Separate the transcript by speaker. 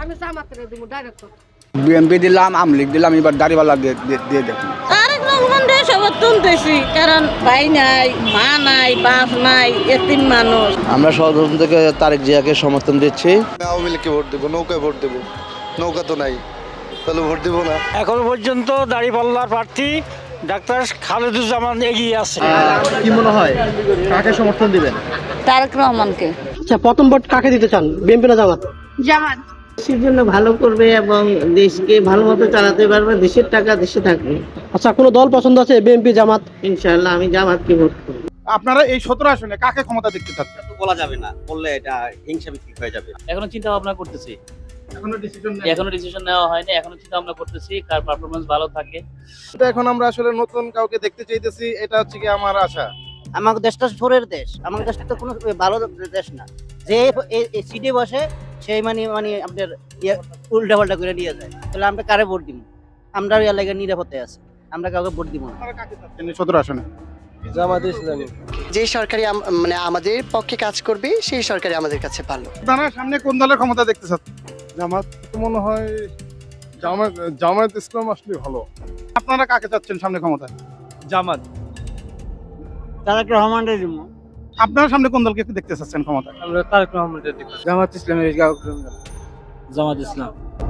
Speaker 1: আমি জামাতের দিব ডাইরেক্ট।
Speaker 2: বিএনপি দিলাম, আওয়ামী লীগ দিলাম, এবার দাঁড়িপাল্লা দিয়ে দেখুন।
Speaker 3: তারেক রহমান রে সমর্থন দিয়েছি, কারণ ভাই নাই, মা নাই, বাপ নাই, এতিম মানুষ।
Speaker 4: আমরা সর্বপ্রথম থেকে তারেক জিয়াকে সমর্থন দিচ্ছি।
Speaker 5: আওয়ামী লীগকে ভোট দেবো, নৌকায় ভোট দেবো, নৌকা তো নাই, তাহলে ভোট দেবো না।
Speaker 6: এখন পর্যন্ত দাঁড়িপাল্লার প্রার্থী ডাক্তার খালেদুজ্জামান এগিয়ে আছে।
Speaker 7: কি মনে হয় কাকে সমর্থন দিবেন?
Speaker 3: তারেক রহমানকে।
Speaker 7: আচ্ছা, প্রথম ভোট কাকে দিতে চান, বিএনপি না জামাত?
Speaker 3: জামাত।
Speaker 8: দেশের জন্য ভালো করবে এবং দেশকে ভালো মতো চালাতে পারবে, দেশের টাকা দেশে থাকবে।
Speaker 7: আচ্ছা, কোনো দল পছন্দ আছে, বিএনপি জামাত?
Speaker 8: ইনশাআল্লাহ আমি জামাতকে ভোট করব।
Speaker 9: আপনারা এই 17 আসনে কাকে ক্ষমতা দেখতে চাচ্ছেন?
Speaker 10: বলা যাবে না, বললে এটা হিংসা ভিত্তিক হয়ে যাবে।
Speaker 11: এখনো চিন্তা ভাবনা করতেছি,
Speaker 9: এখনো
Speaker 11: ডিসিশন নেওয়া হয়নি, এখনো চিন্তা ভাবনা করতেছি কার পারফরমেন্স ভালো থাকে।
Speaker 9: এখন আমরা আসলে নতুন কাউকে দেখতে চাইতেছি, এটা হচ্ছে কি আমার আশা।
Speaker 8: আমার দেশটা ছোরের দেশ, আমার দেশটা তো কোনো ভালো দেশ না। যে সিটে বসে সেই মানে আপনার উল্টা পাল্টা করে নিয়ে যায়, তাহলে আমরা কারে ভোট দিব? আমরা ওই এলাকায় নিরাপত্তায় আছে, আমরা কাউকে ভোট দিব না।
Speaker 9: আপনারা কাকে চাচ্ছেন এই 17 আসনে?
Speaker 4: জামাত ইসলামী।
Speaker 8: যে সরকারি মানে আমাদের পক্ষে কাজ করবে সেই সরকারি আমাদের কাছে ভালো।
Speaker 9: আপনারা সামনে কোন দলের ক্ষমতা দেখতে চাচ্ছেন?
Speaker 5: জামাত তো মনে হয় জামাত ইসলাম আসলে ভালো।
Speaker 9: আপনারা কাকে চাচ্ছেন সামনে ক্ষমতায়?
Speaker 6: জামাত।
Speaker 7: তারেক রহমানের দিব।
Speaker 9: আপনারা সামনে কোন দলকে দেখতে চাচ্ছেন ক্ষমতায়?
Speaker 6: আমরা তারেক রহমানের দিকে।
Speaker 4: জামাত ইসলামের
Speaker 11: জামাত ইসলাম।